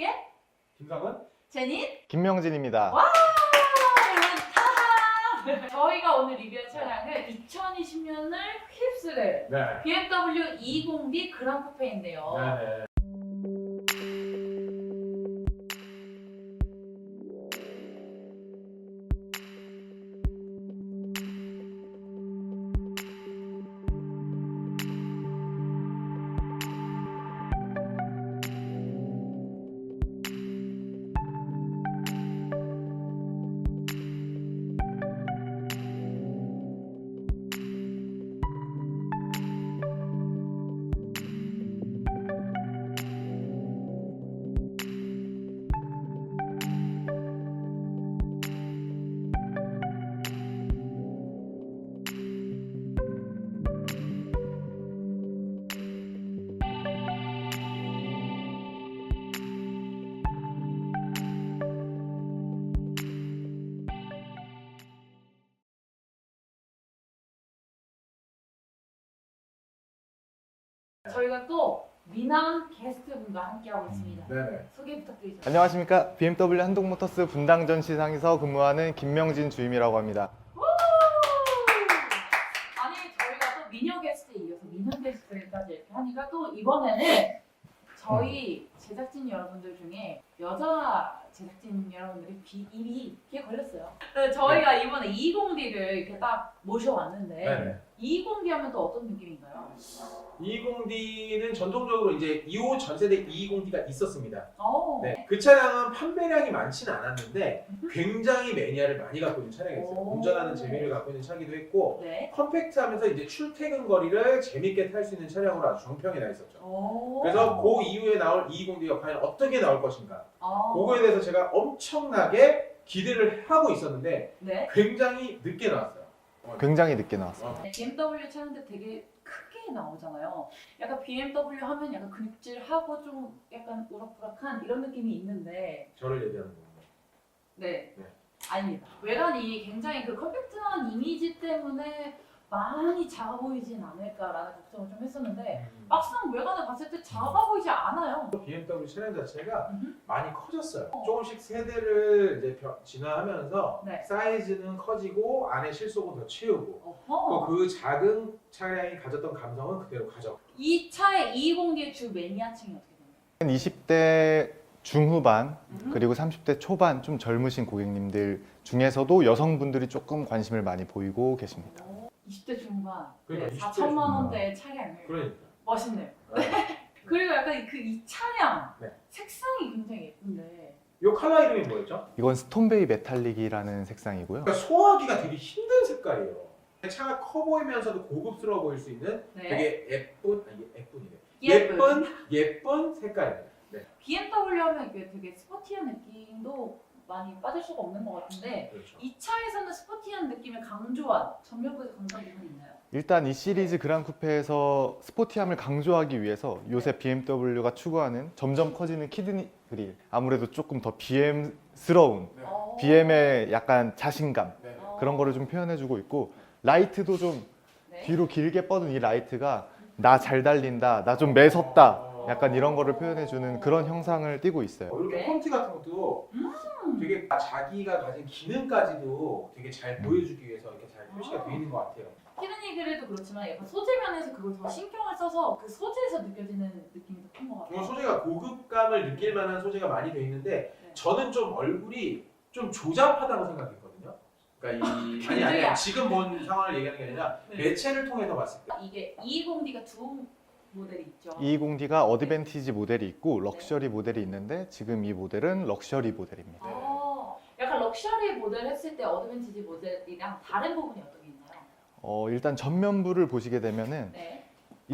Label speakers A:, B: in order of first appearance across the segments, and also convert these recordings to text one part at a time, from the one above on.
A: TV의
B: 김상은?
A: 제닌
C: 김명진입니다.
A: 와! 여러분, 저희가 오늘 리뷰할 차량은 2020년을 휩쓸을
B: 네.
A: BMW 220D 그랑쿠페인데요.
B: 네.
A: 저희가 또 미남 게스트분과 함께하고 있습니다.
B: 네네.
A: 소개 부탁드리죠.
C: 안녕하십니까. BMW 한동모터스 분당전 시상에서 근무하는 김명진 주임이라고 합니다.
A: 아니 저희가 또 미녀 게스트에 이어서 미남 게스트까지 이렇게 하니까 또 이번에는 저희 제작진 여러분들 중에 여자 제작진 여러분들이 입이 이렇게 걸렸어요. 그래서 저희가 이번에 220D를 이렇게 딱 모셔왔는데
B: 네네.
A: 220D 하면 또 어떤 느낌인가요?
B: 220D는 전통적으로 이제 2호 전세대 220D가 있었습니다. 네. 그 차량은 판매량이 많지는 않았는데 굉장히 매니아를 많이 갖고 있는 차량이었어요.
A: 오.
B: 운전하는 재미를 갖고 있는 차기도 했고
A: 네.
B: 컴팩트하면서 이제 출퇴근 거리를 재밌게 탈 수 있는 차량으로 아주 정평이 나 있었죠.
A: 오.
B: 그래서 그 이후에 나올 220D가 과연 어떻게 나올 것인가
A: 아.
B: 그거에 대해서 제가 엄청나게 기대를 하고 있었는데
A: 네.
B: 굉장히 늦게 나왔어요.
C: 굉장히 늦게 나왔어요.
A: BMW 차량들 되게 크게 나오잖아요. 약간 BMW 하면 약간 근육질하고 좀 약간 우락부락한 이런 느낌이 있는데
B: 저를 얘기하는 겁니다.
A: 네.
B: 네.
A: 아닙니다. 외관이 굉장히 그 컴팩트한 이미지 때문에 많이 작아 보이진 않을까라는 걱정을 좀 했었는데 막상 외관을 봤을 때 작아 보이지 않아요.
B: BMW 차량 자체가
A: 음흠.
B: 많이 커졌어요. 조금씩 세대를 이제 진화하면서
A: 네.
B: 사이즈는 커지고 안에 실속은 더 채우고
A: 어허.
B: 또 그 작은 차량이 가졌던 감성은 그대로 가져.
A: 이 차의 220D의 주 매니아층이 어떻게 되나요?
C: 20대 중후반
A: 음.
C: 그리고 30대 초반 좀 젊으신 고객님들 중에서도 여성분들이 조금 관심을 많이 보이고 계십니다.
A: 20대 중반
B: 그러니까 20대
A: 4천만 원대의 차량을
B: 그러니까.
A: 멋있네요.
B: 네.
A: 그리고 약간 그 이 차량
B: 네.
A: 색상이 굉장히 예쁜데
B: 이 컬러 이름이 뭐였죠?
C: 이건 스톤베이 메탈릭이라는 색상이고요.
B: 그러니까 소화하기가 되게 힘든 색깔이에요. 차가 커 보이면서도 고급스러워 보일 수 있는
A: 네.
B: 되게 예쁜이래.
A: 예쁜.
B: 예쁜 색깔이에요. 네.
A: BMW 하면 이게 되게 스포티한 느낌도 많이 빠질 수가 없는 것 같은데
B: 그렇죠.
A: 이 차에서는 스포티한 느낌을 강조한 전면부에서 강조한 부분이 있나요?
C: 일단 이 시리즈 그랑 쿠페에서 스포티함을 강조하기 위해서 요새 BMW가 추구하는 점점 커지는 키드니 그릴, 아무래도 조금 더 BM스러운
B: 네.
C: BM의 약간 자신감
B: 네.
C: 그런 거를 좀 표현해주고 있고, 라이트도 좀
A: 네.
C: 뒤로 길게 뻗은 이 라이트가 나 잘 달린다, 나 좀 매섭다, 약간 이런 거를 표현해주는 그런 형상을 띠고 있어요.
B: 이렇게
A: 네.
B: 폰트 같은 것도 되게 자기가 가진 기능까지도 되게 잘 보여주기 위해서 이렇게 잘 표시가 되어 있는 것 같아요.
A: 키드니 그릴도 그렇지만 약간 소재 면에서 그걸 더 신경을 써서 그 소재에서 느껴지는 느낌이 더 큰 것 같아요.
B: 정말 소재가 고급감을 느낄 만한 소재가 많이 되어 있는데
A: 네.
B: 저는 좀 얼굴이 좀 조잡하다고 생각했거든요. 그러니까 아니 지금 본 상황을 얘기하는 게 아니라
A: 네.
B: 매체를 통해서 봤을 때
A: 이게 220D가 두 모델이 있죠.
C: 220D가 어드밴티지 모델이 있고 럭셔리 모델이 있는데, 지금 이 모델은 럭셔리 모델입니다.
A: 약간 럭셔리 모델 했을 때 어드밴티지 모델이랑 다른 부분이 어떤 게 있나요?
C: 일단 전면부를 보시게 되면은
A: 네.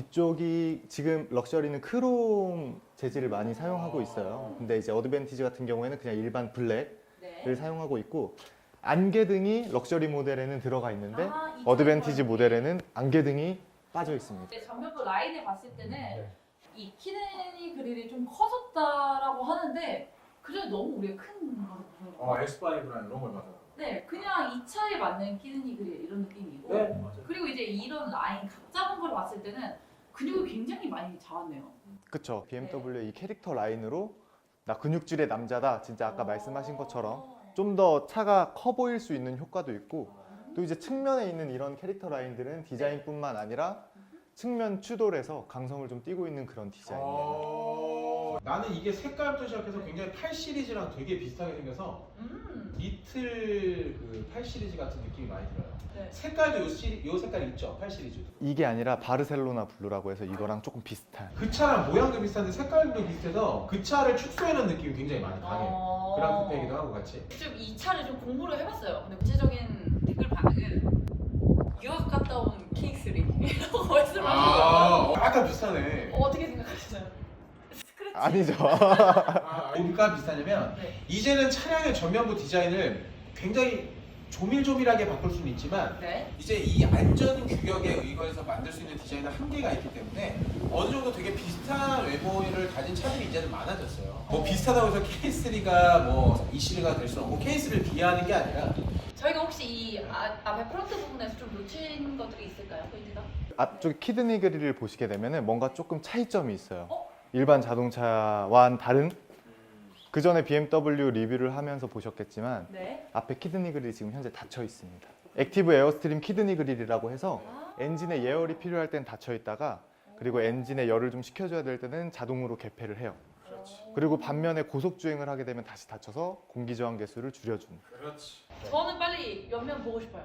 C: 이쪽이 지금 럭셔리는 크롬 재질을 많이 사용하고 있어요. 근데 이제 어드밴티지 같은 경우에는 그냥 일반 블랙을
A: 네.
C: 사용하고 있고, 안개등이 럭셔리 모델에는 들어가 있는데
A: 이
C: 어드밴티지
A: 차이가
C: 모델에는 안개등이 빠져 있습니다.
A: 네, 전면부 라인을 봤을 때는
B: 네.
A: 이 키드니 그릴이 좀 커졌다라고 하는데 그래도 너무 우리가 큰 거를 보여요.
B: S5랑 이런 걸 봐서
A: 네, 그냥 이 차에 맞는 키드니 그릴 이런 느낌이고
B: 네 맞아요.
A: 그리고 이제 이런 라인 각 잡은 걸 봤을 때는 근육이 굉장히 많이 잡았네요.
C: 그쵸. BMW의 이 캐릭터 라인으로 나 근육질의 남자다. 진짜 아까 말씀하신 것처럼 좀 더 차가 커 보일 수 있는 효과도 있고, 또 이제 측면에 있는 이런 캐릭터 라인들은 디자인뿐만 아니라 측면 추돌에서 강성을 좀 띠고 있는 그런 디자인이에요.
B: 나는 이게 색깔부터 시작해서 굉장히 8 시리즈랑 되게 비슷하게 생겨서 리틀 그 8 시리즈 같은 느낌이 많이 들어요.
A: 네.
B: 색깔도 요 색깔 있죠? 8 시리즈도.
C: 이게 아니라 바르셀로나 블루라고 해서 이거랑 조금 비슷한.
B: 그 차랑 모양도 비슷한데 색깔도 비슷해서 그 차를 축소해놓은 느낌이 굉장히 많이 강해. 그런 쿠페이기도 하고 같이.
A: 좀 이 차를 좀 공부를 해봤어요. 근데 구체적인 댓글 반응은 유학 갔다 온 K3라고 말씀하시더라고요.
B: 약간 비슷하네.
A: 어떻게 생각하시나요? 스크래치?
C: 아니죠.
B: 뭐가 비슷하냐면
A: 네.
B: 이제는 차량의 전면부 디자인을 굉장히 조밀조밀하게 바꿀 수는 있지만
A: 네.
B: 이제 이 안전 규격에 의거해서 만들 수 있는 디자인은 한계가 있기 때문에 어느 정도 되게 비슷한 외모를 가진 차들이 이제는 많아졌어요. 뭐 비슷하다고 해서 K3가 뭐 이 시리즈가 될 수는 없고 K3를 비하하는 게 아니라
A: 저희가 혹시 이 앞에 프론트 부분에서 좀 놓친 것들이 있을까요? 포인트가?
C: 앞쪽 키드니 그릴을 보시게 되면은 뭔가 조금 차이점이 있어요.
A: 어?
C: 일반 자동차와는 다른. 그 전에 BMW 리뷰를 하면서 보셨겠지만
A: 네.
C: 앞에 키드니 그릴이 지금 현재 닫혀 있습니다. 액티브 에어스트림 키드니 그릴이라고 해서 엔진에 예열이 필요할 땐 닫혀 있다가, 그리고 엔진에 열을 좀 식혀줘야 될 때는 자동으로 개폐를 해요. 그리고 반면에 고속 주행을 하게 되면 다시 닫혀서 공기 저항 개수를 줄여주는.
B: 그렇지.
A: 저는 빨리 옆면 보고 싶어요.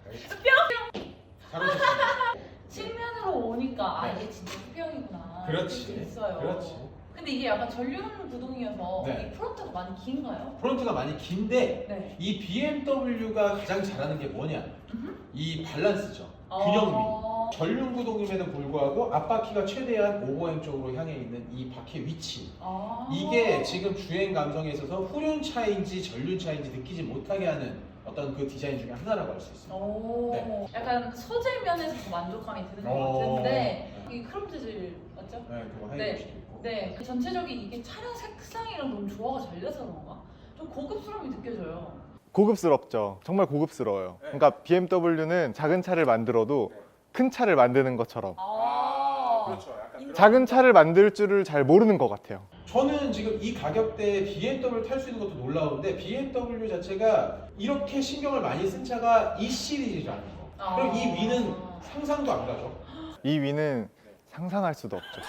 B: 잘 오셨습니다.
A: 측면으로 오니까
B: 네.
A: 이게 진짜 수평이구나.
B: 그렇지.
A: 이렇게 있어요.
B: 그렇지.
A: 근데 이게 약간 전륜 구동이어서
B: 네.
A: 이 프론트가 많이 긴가요?
B: 프론트가 많이 긴데
A: 네.
B: 이 BMW가 가장 잘하는 게 뭐냐? 이 밸런스죠. 균형미. 전륜 구동임에도 불구하고 앞바퀴가 최대한 오버행 쪽으로 향해 있는 이 바퀴의 위치. 이게 지금 주행 감성에 있어서 후륜차인지 전륜차인지 느끼지 못하게 하는 어떤 그 디자인 중에 하나라고 할 수 있습니다.
A: 오, 약간 소재 면에서 더 만족감이 드는 것 같은데 이 크롬 재질 맞죠?
B: 네, 그거
A: 네.
B: 하이브리드도 있고.
A: 네, 그 전체적인 이게 차량 색상이랑 너무 조화가 잘 돼서 그런가? 좀 고급스러움이 느껴져요.
C: 고급스럽죠. 정말 고급스러워요.
B: 네.
C: 그러니까 BMW는 작은 차를 만들어도
B: 네.
C: 큰 차를 만드는 것처럼
B: 그렇죠. 약간 그런
C: 작은 차를 만들 줄을 잘 모르는 것 같아요.
B: 저는 지금 이 가격대에 BMW를 탈 수 있는 것도 놀라운데 BMW 자체가 이렇게 신경을 많이 쓴 차가 이 시리즈라는 거. 그리고 이 위는 상상도 안 가죠.
C: 이 위는 상상할 수도 없죠.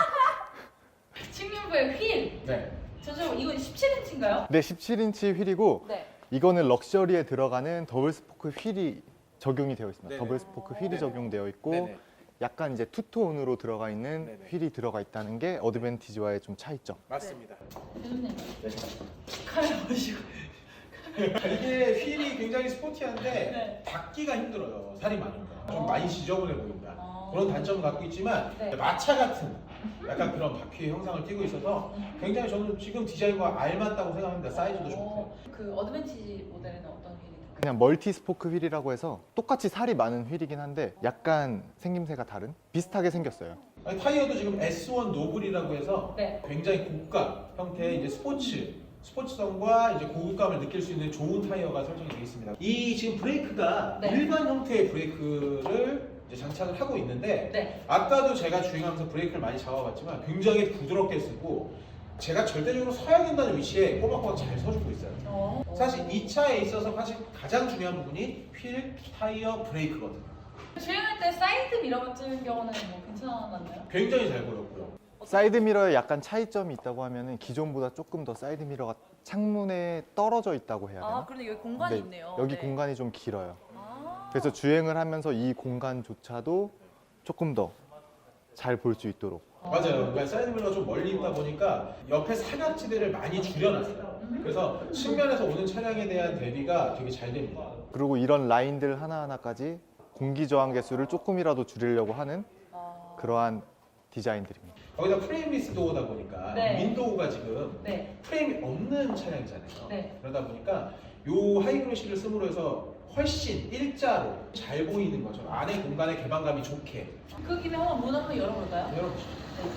A: 측면부의 휠!
B: 네.
A: 전체적으로 이건 17인치인가요?
C: 네, 17인치 휠이고
A: 네.
C: 이거는 럭셔리에 들어가는 더블 스포크 휠이 적용이 되어 있습니다.
B: 네네.
C: 더블 스포크 휠이
B: 네네.
C: 적용되어 있고
B: 네네.
C: 약간 이제 투톤으로 들어가 있는
B: 네네.
C: 휠이 들어가 있다는 게 어드밴티지와의 좀 차이점.
B: 맞습니다.
A: 대표님,
B: 네.
A: 카메라 보시고.
B: 이게 휠이 굉장히 스포티한데
A: 네.
B: 닫기가 힘들어요. 살이 많으니까. 좀 많이 지저분해 보인다.
A: 어.
B: 그런 단점을 갖고 있지만
A: 네.
B: 마차 같은 약간 그런 바퀴의 형상을 띠고 있어서 굉장히 저는 지금 디자인과 알맞다고 생각합니다. 사이즈도 좋고.
A: 그 어드밴티지 모델에는 어떤 휠이 들어가요?
C: 그냥 멀티 스포크 휠이라고 해서 똑같이 살이 많은 휠이긴 한데 약간 생김새가 다른? 비슷하게 생겼어요.
B: 아니, 타이어도 지금 S1 노블이라고 해서
A: 네.
B: 굉장히 고가 형태의 이제 스포츠성과 이제 고급감을 느낄 수 있는 좋은 타이어가 설정이 되어 있습니다. 이 지금 브레이크가
A: 네.
B: 일반 형태의 브레이크를 이제 장착을 하고 있는데
A: 네.
B: 아까도 제가 주행하면서 브레이크를 많이 잡아봤지만 굉장히 부드럽게 쓰고 제가 절대적으로 서야 된다는 위치에 꼬박꼬박 잘 서주고 있어요. 사실 이 차에 있어서 사실 가장 중요한 부분이 휠, 타이어, 브레이크거든요.
A: 주행할 때 사이드 미러 같은 경우는 뭐 괜찮았나요?
B: 굉장히 잘 보였고요.
C: 사이드 미러에 약간 차이점이 있다고 하면은 기존보다 조금 더 사이드 미러가 창문에 떨어져 있다고 해야 되나?
A: 그런데 여기 공간이
C: 네,
A: 있네요.
C: 여기
A: 네.
C: 공간이 좀 길어요.
A: 아.
C: 그래서 주행을 하면서 이 공간조차도 조금 더 잘 볼 수 있도록.
B: 맞아요. 그러니까 사이드 미러가 좀 멀리 있다 보니까 옆에 사각지대를 많이 줄여놨어요. 그래서 측면에서 오는 차량에 대한 대비가 되게 잘 됩니다.
C: 그리고 이런 라인들 하나하나까지 공기 저항 개수를 조금이라도 줄이려고 하는 그러한 디자인들입니다.
B: 거기다 프레임리스 도어다 보니까
A: 네.
B: 윈도우가 지금
A: 네.
B: 프레임이 없는 차량이잖아요.
A: 네.
B: 그러다 보니까 요 하이그로시를 씀으로 해서 훨씬 일자로 잘 보이는 거죠. 안에 공간의 개방감이 좋게.
A: 그 김에 한번 문 한번 열어볼까요?
B: 열어보시죠.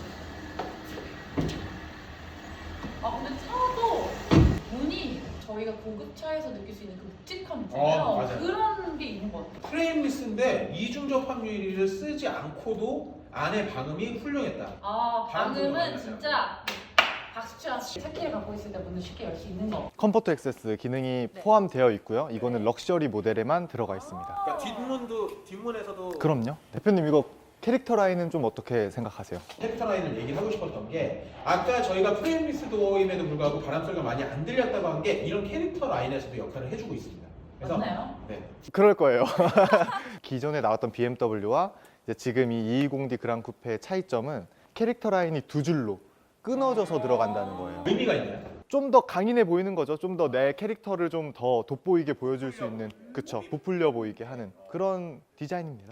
A: 근데 차도 문이 저희가 고급차에서 느낄 수 있는 그 묵직함 있잖아요.
B: 맞아요.
A: 그런 게 있는 것 같아요.
B: 프레임리스인데 이중 접합 유리를 쓰지 않고도 안에 방음이 훌륭했다.
A: 방음은
B: 방음은
A: 진짜 박수현 차키를 갖고 있을 때 문을 쉽게 열 수 있는 거.
C: 컴포트 액세스 기능이
A: 네.
C: 포함되어 있고요. 이거는 럭셔리 모델에만 들어가 있습니다.
B: 그러니까 뒷문에서도
C: 그럼요. 대표님 이거 캐릭터 라인은 좀 어떻게 생각하세요?
B: 캐릭터 라인을 얘기하고 싶었던 게 아까 저희가 프레임리스 도어임에도 불구하고 바람 소리가 많이 안 들렸다고 한 게 이런 캐릭터 라인에서도 역할을 해주고 있습니다. 그래서
A: 맞나요?
B: 네.
C: 그럴 거예요. 기존에 나왔던 BMW와 이제 지금 이 220D 그랑 쿠페의 차이점은 캐릭터 라인이 두 줄로 끊어져서 들어간다는 거예요.
B: 의미가 있나요?
C: 좀 더 강인해 보이는 거죠. 좀 더 내 캐릭터를 좀 더 돋보이게 보여줄 수 있는, 그쵸, 부풀려 보이게 하는 그런 디자인입니다.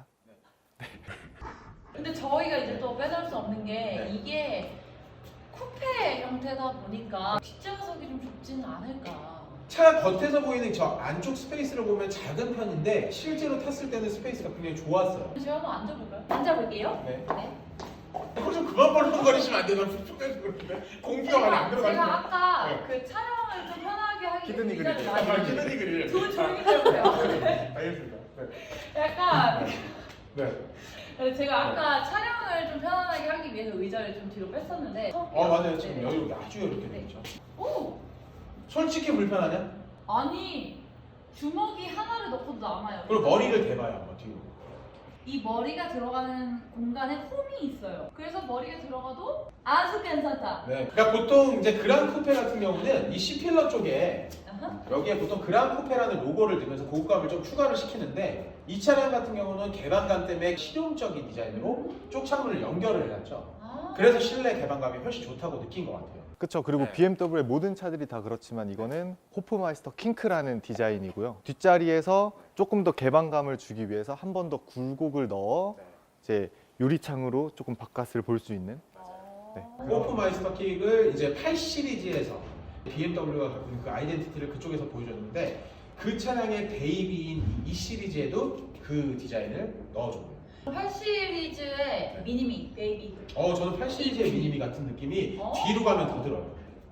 A: 근데 저희가 이제 또 빼놓을 수 없는 게
B: 네.
A: 이게 쿠페 형태다 보니까 뒷좌석이 좀 좁지는 않을까.
B: 차 겉에서 보이는 저 안쪽 스페이스를 보면 작은 편인데 실제로 탔을 때는 스페이스가 굉장히 좋았어요.
A: 제가 한번 앉아볼까요? 앉아볼게요.
B: 네.
A: 네.
B: 좀 그만 벌렁거리시면 안 돼요. 촉촉해서 그런데 공기가 많이 안 들어가시네.
A: 제가 아까
B: 네.
A: 그 촬영을 좀 편하게 하기 위해서
C: 키드니
A: 의자를
C: 그릴
A: 많이
B: 아, 키드니 그릴.
A: 두 조용히 좀 해보세요.
B: 알겠습니다. 네.
A: 약간
B: 네.
A: 제가 아까 촬영을 좀 편안하게 하기 위해서 의자를 좀 뒤로 뺐었는데
B: 맞아요. 지금
A: 네.
B: 여기 아주 이렇게
A: 네.
B: 되죠.
A: 오!
B: 솔직히 불편하냐?
A: 아니 주먹이 하나를 넣고도 남아요.
B: 그리고 머리를 대봐요 한번 뒤로.
A: 이 머리가 들어가는 공간에 홈이 있어요. 그래서 머리가 들어가도 아주 괜찮다.
B: 네. 그러니까 보통 이제 그랑 쿠페 같은 경우는 이 C필러 쪽에
A: 아하.
B: 여기에 보통 그랑 쿠페라는 로고를 넣으면서 고급감을 좀 추가를 시키는데 이 차량 같은 경우는 개방감 때문에 실용적인 디자인으로 쪽 창문을 연결을 해놨죠.
A: 아.
B: 그래서 실내 개방감이 훨씬 좋다고 느낀 것 같아요.
C: 그쵸. 그리고
B: 네.
C: BMW의 모든 차들이 다 그렇지만 이거는 호프마이스터 킹크라는 디자인이고요. 뒷자리에서 조금 더 개방감을 주기 위해서 한 번 더 굴곡을 넣어 이제 유리창으로 조금 바깥을 볼 수 있는. 네.
B: 호프마이스터 킥을 이제 8 시리즈에서 BMW가 갖고 있는 그 아이덴티티를 그쪽에서 보여줬는데 그 차량의 베이비인 이 시리즈에도 그 디자인을 넣어줍니다.
A: 8 시리즈의 미니미 베이비.
B: 저는 8 시리즈의 미니미 같은 느낌이
A: 어.
B: 뒤로 가면 더 들어요.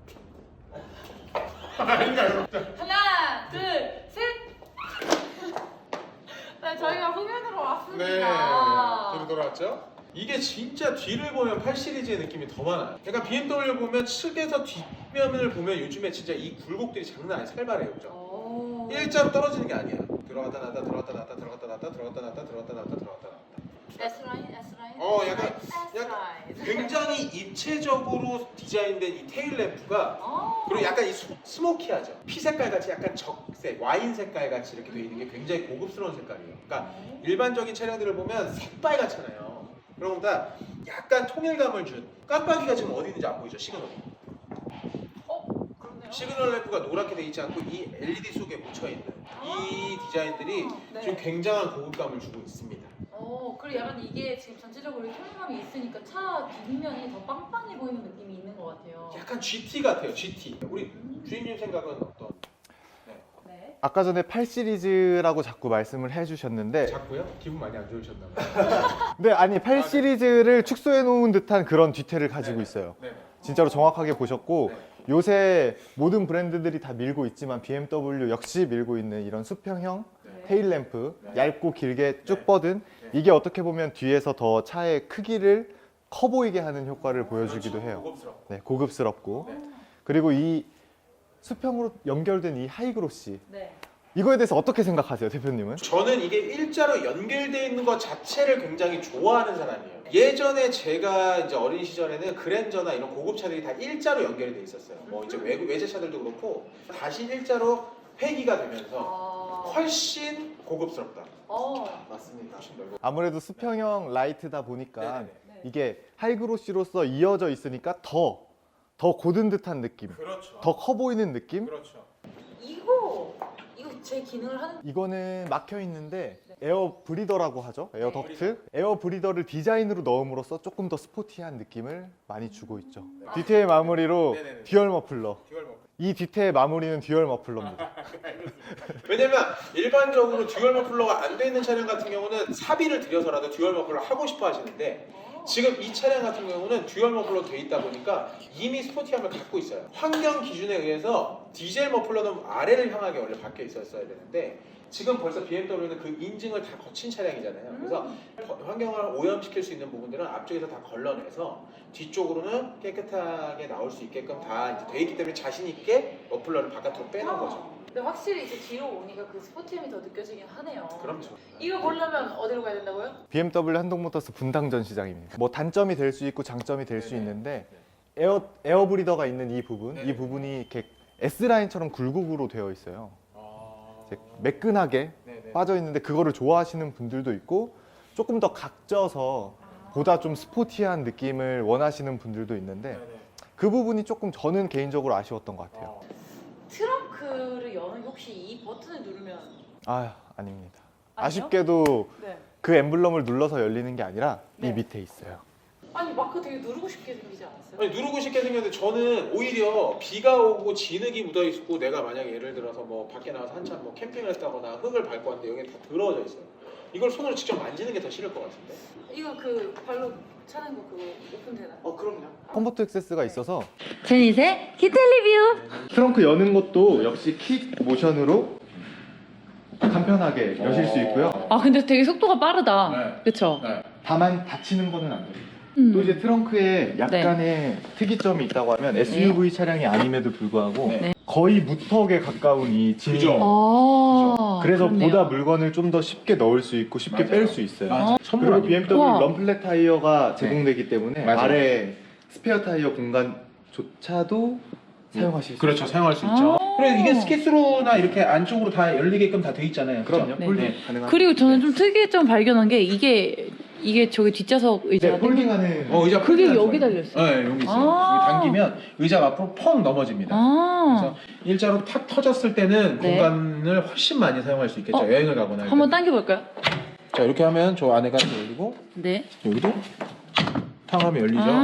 B: 아닌가요?
A: 하나, 둘, 셋. 네, 저희가 후면으로 왔습니다.
B: 돌아왔죠? 이게 진짜 뒤를 보면 8 시리즈의 느낌이 더 많아요. 그러니까 BMW 보면 측에서 뒷면을 보면 요즘에 진짜 이 굴곡들이 장난 아니에요. 살벌해요. 그죠?
A: 오.
B: 일자로 떨어지는 게 아니야. 들어갔다 나왔다 들어갔다 나왔다 들어갔다 나왔다 들어갔다 나왔다 들어갔다 나왔다 들어갔다 나왔다.
A: S라인, S라인.
B: 약간
A: S라인.
B: 굉장히 입체적으로 디자인된 이 테일 램프가 그리고 약간 이 스모키하죠. 피 색깔 같이 약간 적색, 와인 색깔 같이 이렇게 돼 있는 게 굉장히 고급스러운 색깔이에요. 그러니까 일반적인 차량들을 보면 새빨갛잖아요. 그런 것보다 약간 통일감을 준 깜빡이가 지금 어디 있는지 안 보이죠? 시그널.
A: 그러네요.
B: 시그널 램프가 노랗게 돼 있지 않고 이 LED 속에 묻혀 있는 이 디자인들이
A: 네.
B: 지금 굉장한 고급감을 주고 있습니다.
A: 그리고 약간 이게 지금 전체적으로 통일감이 있으니까 차 뒷면이 더 빵빵해 보이는 느낌이 있는 것 같아요.
B: 약간 GT 같아요. GT. 우리 주인님 생각은 어떤?
A: 네.
C: 아까 전에 8 시리즈라고 자꾸 말씀을 해주셨는데,
B: 자꾸요? 기분 많이 안 좋으셨나 봐요.
C: 네, 아니 8 시리즈를 축소해 놓은 듯한 그런 뒤태를 가지고 있어요.
B: 네.
C: 진짜로 정확하게 보셨고,
B: 네.
C: 요새 모든 브랜드들이 다 밀고 있지만 BMW 역시 밀고 있는 이런 수평형
A: 네.
C: 테일 램프,
B: 네.
C: 얇고 길게 쭉
B: 네.
C: 뻗은,
B: 네.
C: 이게 어떻게 보면 뒤에서 더 차의 크기를 커 보이게 하는 효과를 보여주기도 해요.
B: 고급스럽고.
C: 네, 고급스럽고.
B: 네.
C: 그리고 이 수평으로 연결된 이 하이그로시,
A: 네.
C: 이거에 대해서 어떻게 생각하세요, 대표님은?
B: 저는 이게 일자로 연결되어 있는 것 자체를 굉장히 좋아하는 사람이에요. 예전에 제가 이제 어린 시절에는 그랜저나 이런 고급차들이 다 일자로 연결이 돼 있었어요. 뭐 이제 외제차들도 그렇고 다시 일자로 회귀가 되면서 훨씬 고급스럽다. 맞습니다. 훨씬 넓고.
C: 아무래도 수평형 라이트다 보니까
B: 네네네.
A: 네.
C: 이게 하이그로시로서 이어져 있으니까 더 고든 듯한 느낌,
B: 그렇죠.
C: 더 커 보이는 느낌?
B: 그렇죠.
A: 이거 제 기능을 하는.
C: 이거는 막혀 있는데 에어 브리더라고 하죠. 에어
A: 네.
C: 덕트. 에어 브리더를 디자인으로 넣음으로써 조금 더 스포티한 느낌을 많이 주고 있죠. 뒤태의 마무리로
B: 네네네.
C: 듀얼 머플러.
B: 듀얼 머플러.
C: 이 뒤태의 마무리는 듀얼 머플러입니다.
B: 왜냐면 일반적으로 듀얼 머플러가 안 돼 있는 차량 같은 경우는 사비를 들여서라도 듀얼 머플러 하고 싶어 하시는데 지금 이 차량 같은 경우는 듀얼 머플러 돼 있다 보니까 이미 스포티함을 갖고 있어요. 환경 기준에 의해서 디젤 머플러는 아래를 향하게 원래 박혀 있었어야 되는데 지금 벌써 BMW는 그 인증을 다 거친 차량이잖아요. 그래서 환경을 오염시킬 수 있는 부분들은 앞쪽에서 다 걸러내서 뒤쪽으로는 깨끗하게 나올 수 있게끔 다 이제 돼 있기 때문에 자신 있게 머플러를 바깥으로 빼는 거죠.
A: 근데 확실히 이제 뒤로 오니까 그 스포티함이 더 느껴지긴 하네요.
B: 그럼요.
A: 이거 보려면 어디로 가야 된다고요?
C: BMW 한동모터스 분당 전시장입니다. 뭐 단점이 될 수 있고 장점이 될 수
B: 네네.
C: 있는데 에어 브리더가 있는 이 부분,
B: 네네.
C: 이 부분이 이렇게 S 라인처럼 굴곡으로 되어 있어요.
B: 아...
C: 이제 매끈하게
B: 네네.
C: 빠져 있는데 그거를 좋아하시는 분들도 있고 조금 더 각져서 보다 좀 스포티한 느낌을 원하시는 분들도 있는데
B: 네네.
C: 그 부분이 조금 저는 개인적으로 아쉬웠던 것 같아요.
A: 트렁크를 여는 게 혹시 이 버튼을 누르면
C: 아, 아닙니다.
A: 아니요?
C: 아쉽게도
A: 네.
C: 그 엠블럼을 눌러서 열리는 게 아니라
A: 네.
C: 이 밑에 있어요.
A: 아니 마크 되게 누르고 싶게 생기지 않았어요?
B: 아니 누르고 싶게 생겼는데 저는 오히려 비가 오고 진흙이 묻어 있고 내가 만약에 예를 들어서 뭐 밖에 나가서 한참 뭐 캠핑을 했다거나 흙을 밟고 왔는데 여기 다 더러워져 있어요. 이걸 손으로 직접 만지는 게 더 싫을 것 같은데.
A: 이거 그 발로 차는 거 그거 오픈되나요?
B: 그럼요.
C: 컴포트 액세스가 있어서
D: 제닛의 히트 리뷰.
C: 트렁크 여는 것도 역시 킥 모션으로 간편하게 여실 수 있고요.
D: 아 근데 되게 속도가 빠르다.
B: 네.
D: 그쵸?
C: 다만 닫히는 거는 안 돼요.
D: 음.
C: 또 이제 트렁크에 약간의 특이점이 있다고 하면 SUV 차량이 아님에도 불구하고
B: 네.
C: 거의 무턱에 가까운 이 진입.
B: 그죠.
D: 아,
C: 그래서
D: 그렇네요.
C: 보다 물건을 좀 더 쉽게 넣을 수 있고 쉽게
B: 맞아요.
C: 뺄 수 있어요.
B: 맞아.
C: 그리고 BMW
D: 우와.
C: 럼플렛 타이어가 제공되기 때문에
B: 맞아요.
C: 아래 스페어 타이어 공간조차도 사용하실 수
B: 그렇죠.
C: 있어요.
B: 사용할 수
D: 아.
B: 있죠. 그래 이게 스키스로나 이렇게 안쪽으로 다 열리게끔 다 돼 있잖아요. 그죠?
C: 그럼요.
D: 네.
C: 폴딩 가능한.
D: 그리고 저는 좀 특이점 발견한 게 이게 저기 뒷좌석 의자가
C: 네, 폴딩하는.
B: 의자
D: 그게
B: 폴딩하는
D: 여기
B: 거예요.
D: 달렸어요.
B: 네, 여기 있어요.
D: 아.
B: 여기 당기면 의자가 앞으로 펑 넘어집니다.
D: 아,
B: 그래서 일자로 탁 터졌을 때는
D: 네.
B: 공간을 훨씬 많이 사용할 수 있겠죠. 여행을 가거나 할
D: 한번
B: 때.
D: 당겨볼까요?
B: 자 이렇게 하면 저 안에가 열리고
D: 네.
B: 여기도 탕 하면 열리죠.
D: 아.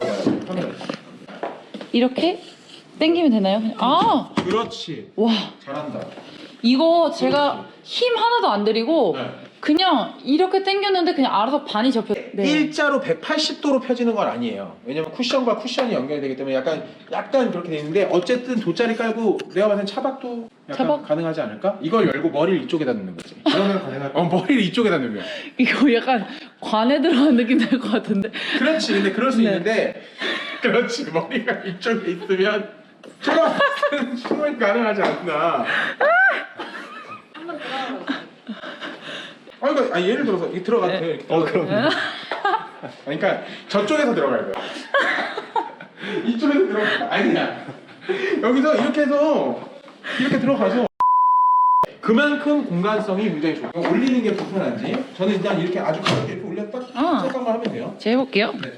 D: 이렇게 당기면 되나요? 아,
B: 그렇지.
D: 와,
B: 잘한다.
D: 이거 제가 힘 하나도 안 들이고
B: 네.
D: 그냥 이렇게 당겼는데 그냥 알아서 반이 접혀. 네.
B: 일자로 180도로 펴지는 건 아니에요. 왜냐면 쿠션과 쿠션이 연결이 되기 때문에 약간 그렇게 돼 있는데 어쨌든 돗자리 깔고 내가 봤을 땐 차박도 약간
D: 차박?
B: 가능하지 않을까? 이걸 열고 머리를 이쪽에다 넣는 거지.
C: 그러면 가능할
B: 머리를 이쪽에다 넣는.
D: 이거 약간 관에 들어간 느낌 날 것 같은데.
B: 그렇지. 근데 그럴 수
D: 네.
B: 있는데 그렇지. 머리가 이쪽에 있으면 차박은 충분히 가능하지 않나.
A: 한번 들어가보세요.
B: 그러니까 예를 들어서 이렇게 들어가도 돼요. 이렇게 들어가도
C: 그럼.
B: 돼요. 그러니까 저쪽에서 들어가야 돼요. 이쪽에서 들어가. 아니야. 여기서 이렇게 해서 이렇게 들어가서 그만큼 공간성이 굉장히 좋고 올리는 게 불편한지 저는 일단 이렇게 아주 가볍게 이렇게 올렸다 잠깐만 하면 돼요.
D: 제가 해볼게요.
B: 네.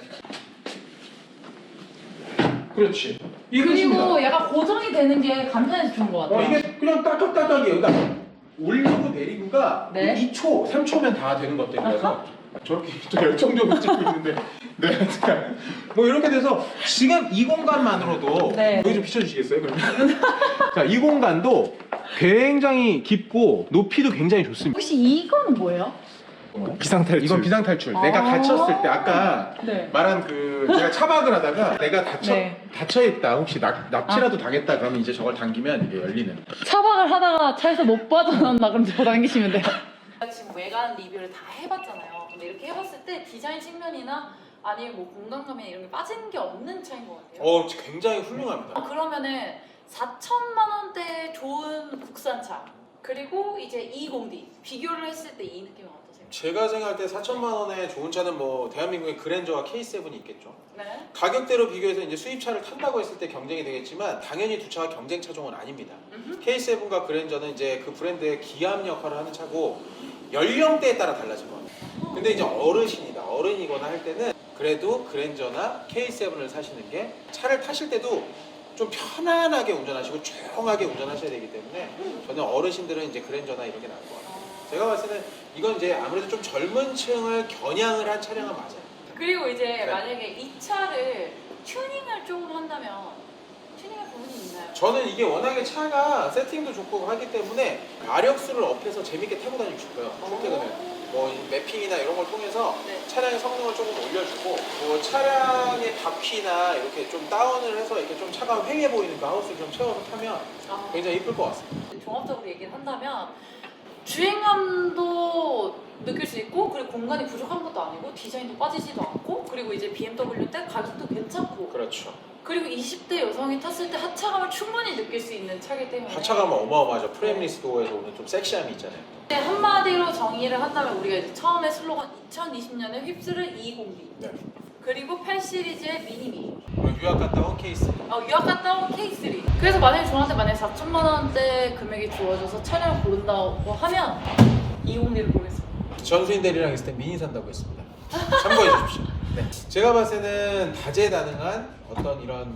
B: 그렇지. 이게
A: 그리고
B: 끝입니다.
A: 약간 고정이 되는 게 간편해서 좋은 것 같아요.
B: 이게 그냥 따깍따깍이에요. 그러니까 올리고 내리고가
A: 네.
B: 2초, 3초면 다 되는 것들이라서 저렇게 또 열정적으로 찍고 있는데 네, 자, 뭐 이렇게 돼서 지금 이 공간만으로도
A: 네.
B: 여기 좀 비춰주시겠어요? 그러면? 자, 이 공간도 굉장히 깊고 높이도 굉장히 좋습니다.
A: 혹시 이거는 뭐예요?
C: 비상탈출.
B: 이건 비상탈출. 내가 갇혔을 때 아까
A: 네.
B: 말한 그 제가 차박을 하다가 내가
A: 네.
B: 닫혀있다 혹시 납치라도 당했다 그러면 이제 저걸 당기면 이게 열리는.
D: 차박을 하다가 차에서 못 빠져나온다 그럼 저 당기시면 돼요.
A: 제가 지금 외관 리뷰를 다 해봤잖아요. 근데 이렇게 해봤을 때 디자인 측면이나 아니면 뭐 공간감이나 이런 게 빠진 게 없는 차인 것 같아요.
B: 굉장히 훌륭합니다.
A: 그러면은 4천만 원대 좋은 국산차 그리고 이제 220D 비교를 했을 때 이 느낌은 어떠세요?
B: 제가 생각할 때 4천만 원에 좋은 차는 뭐 대한민국의 그랜저와 K7이 있겠죠.
A: 네.
B: 가격대로 비교해서 이제 수입차를 탄다고 했을 때 경쟁이 되겠지만 당연히 두 차가 경쟁 차종은 아닙니다. K7과 그랜저는 이제 그 브랜드의 기함 역할을 하는 차고 연령대에 따라 달라질 것 같아요. 근데 이제 어른이거나 할 때는 그래도 그랜저나 K7을 사시는 게 차를 타실 때도 좀 편안하게 운전하시고 조용하게 운전하셔야 되기 때문에 저는 어르신들은 이제 그랜저나 이런 게 나을 것 같아요. 제가 봤을 때는 이건 이제 아무래도 좀 젊은 층을 겨냥을 한 차량은 맞아요.
A: 그리고 이제
B: 네.
A: 만약에 이 차를 튜닝을 조금 한다면 튜닝할 부분이 있나요?
B: 저는 이게 워낙에 차가 세팅도 좋고 하기 때문에 마력수를 업해서 재밌게 타고 다니고 싶어요. 출퇴근을. 뭐 매핑이나 이런 걸 통해서
A: 네.
B: 차량의 성능을 조금 올려주고 뭐 차량의 바퀴나 이렇게 좀 다운을 해서 이렇게 좀 차가 휑해 보이는 그 하우스를 좀 채워서 타면
A: 아,
B: 굉장히 이쁠 것 같습니다.
A: 종합적으로 얘기를 한다면 주행감도 느낄 수 있고 그리고 공간이 부족한 것도 아니고 디자인도 빠지지도 않고 그리고 이제 BMW 때 가격도 괜찮고
B: 그렇죠.
A: 그리고 20대 여성이 탔을 때 하차감을 충분히 느낄 수 있는 차이기 때문에
B: 하차감은 어마어마하죠. 프레임리스도어에서 오는 좀 섹시함이 있잖아요.
A: 네, 한마디로 정의를 한다면 우리가 이제 처음에 슬로건 2020년에 휩쓸을 220D
B: 네.
A: 그리고 8 시리즈의 미니미
B: 유학 갔다 온 케이스.
A: 유학 갔다 온 K3 그래서 만약에 저한테 4천만 원대 금액이 주어져서 차량을 고른다고 하면 250D를 고르겠습니다.
B: 전수인 대리랑 있을 때 미니 산다고 했습니다. 참고해 주십시오. 네. 제가 봤을 때는 다재다능한 어떤 이런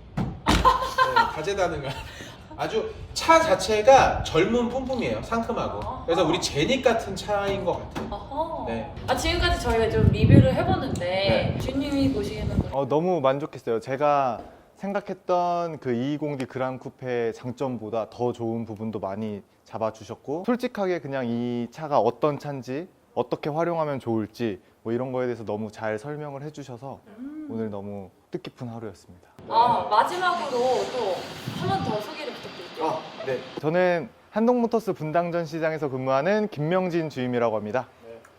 B: 다재다능한 아주 차 자체가 젊은 뿜뿜이에요. 상큼하고. 그래서 우리 제닉 같은 차인 것 같아요.
A: 어허.
B: 네.
A: 지금까지 저희가 좀 리뷰를 해봤는데
B: 네.
A: 주님이 보시기에는
C: 너무 만족했어요. 제가 생각했던 그 220D 그랑 쿠페의 장점보다 더 좋은 부분도 많이 잡아주셨고 솔직하게 그냥 이 차가 어떤 차인지 어떻게 활용하면 좋을지 뭐 이런 거에 대해서 너무 잘 설명을 해주셔서 오늘 너무 뜻깊은 하루였습니다.
A: 마지막으로 또 한 번 더 소개를 부탁드릴게요.
B: 네.
C: 저는 한동모터스 분당전 시장에서 근무하는 김명진 주임이라고 합니다.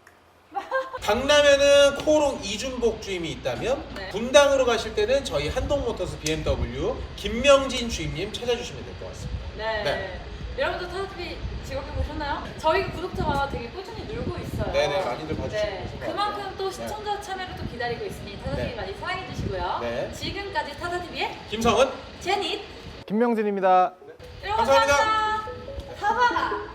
B: 강남에는 코오롱 이준복 주임이 있다면
A: 네.
B: 분당으로 가실 때는 저희 한동모터스 BMW 김명진 주임님 찾아주시면 될 것 같습니다.
A: 네.
B: 네.
A: 여러분들 타다TV 즐겁게 보셨나요? 저희 구독자가 되게 꾸준히 늘고 있어요.
B: 네네, 많이들 봐주시고
A: 네.
B: 계신 것
A: 그만큼
B: 같아요.
A: 또 시청자 참여를 또 기다리고 있으니 타다TV
B: 네.
A: 많이 사랑해 주시고요.
B: 네.
A: 지금까지 타다TV의
B: 김성은
A: 제닛
C: 김명진입니다.
A: 여러분
B: 감사합니다.
A: 감사합니다. 사바가